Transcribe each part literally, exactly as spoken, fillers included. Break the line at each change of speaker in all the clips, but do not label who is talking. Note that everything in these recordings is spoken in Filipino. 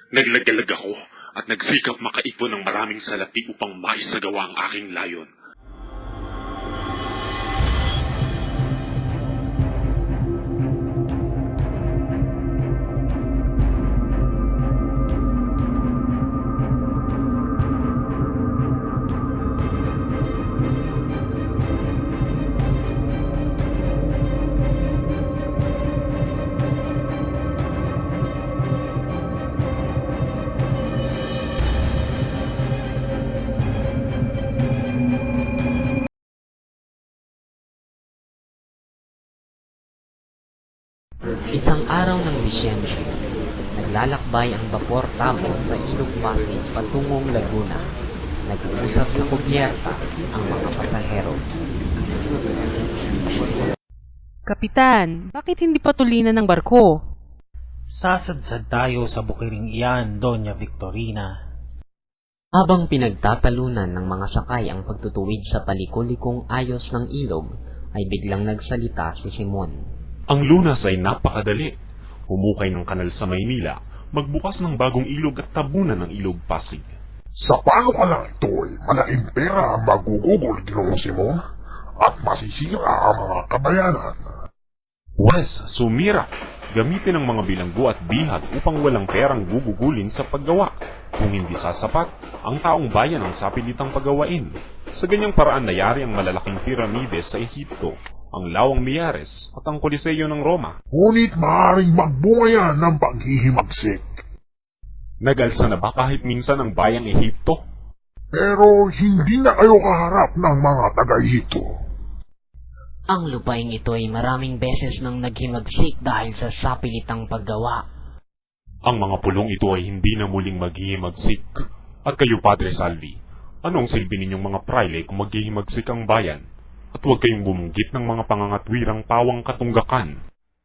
Naglagalag ako at nagsikap makaipon ng maraming salapi upang maisagawa ang aking layon.
Isang araw ng Disyembre, naglalakbay ang Vapor Tamo sa Ilog Pasig patungong Laguna. Nag-uusap sa kubyerta ang mga pasahero.
Kapitan, bakit hindi patulinan ng barko?
Sasadsad tayo sa bukiring iyan, Doña Victorina.
Habang pinagtatalunan ng mga sakay ang pagtutuwid sa palikulikong ayos ng ilog, ay biglang nagsalita si Simon.
Ang lunas ay napakadali. Humukay ng kanal sa Maynila, magbukas ng bagong ilog at tabunan ng ilog Pasig.
Sa paano ka lang ito ay malaking pera ang magugugol, Ginoong Simon, at masisira ang mga kabayanan.
Wes, sumira! Gamitin ang mga bilanggo at bihat upang walang perang gugugulin sa paggawa. Kung hindi sasapat, ang taong bayan ang sapilitang paggawain. Sa ganyang paraan nayari ang malalaking piramide sa Ehipto, ang Lawang Miyares at ang Koliseo ng Roma.
Ngunit maaaring magbunga yan ng paghihimagsik.
Nagalsa na ba kahit minsan ang bayang Ehipto?
Pero hindi na kayo kaharap ng mga taga-Ehipto.
Ang lupaing ito ay maraming beses nang naghimagsik dahil sa sapilitang paggawa.
Ang mga pulong ito ay hindi na muling maghihimagsik. At kayo, Padre Salvi, anong silbi ninyong mga praile kung maghihimagsik ang bayan? At huwag kayong bumunggit ng mga pangangatwirang pawang katunggakan.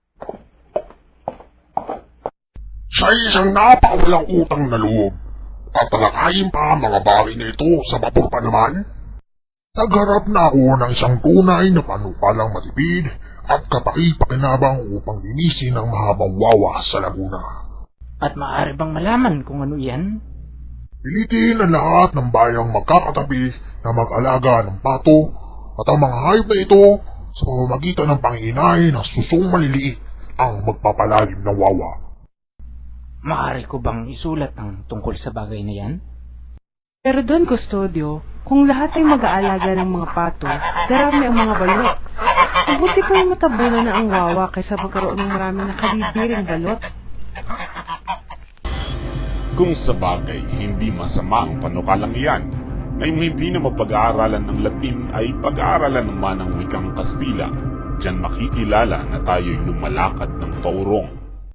Sa isang napakawalang utang na loob, tatalakayin pa ang mga bagay na ito sa vapor pa naman? Nagharap na ako ng isang tunay na panukalang matipid at kapaki-pakinabang upang linisin ang mahabang wawa sa Laguna.
At maaari bang malaman kung ano iyan?
Pilitin ang lahat ng bayang magkakatabi na mag-alaga ng pato at ang mga hayop na ito sa pamamagitan ng panginay na susong maliliit ang magpapalalim ng wawa.
Maaari ko bang isulat ang tungkol sa bagay na yan?
Pero Don Custodio, kung lahat ay mag-aalaga ng mga pato, darami ang mga balot. Mabuti pa yung matabunan na ang wawa kaysa magkaroon ng maraming nakalibiring balot.
Kung sa bagay, hindi masama ang panukalang iyan. Ngayong hindi na mapag-aaralan ng Latin ay pag-aaralan naman ng wikang Kastila. Diyan makikilala na tayo'y lumalakad ng taurong.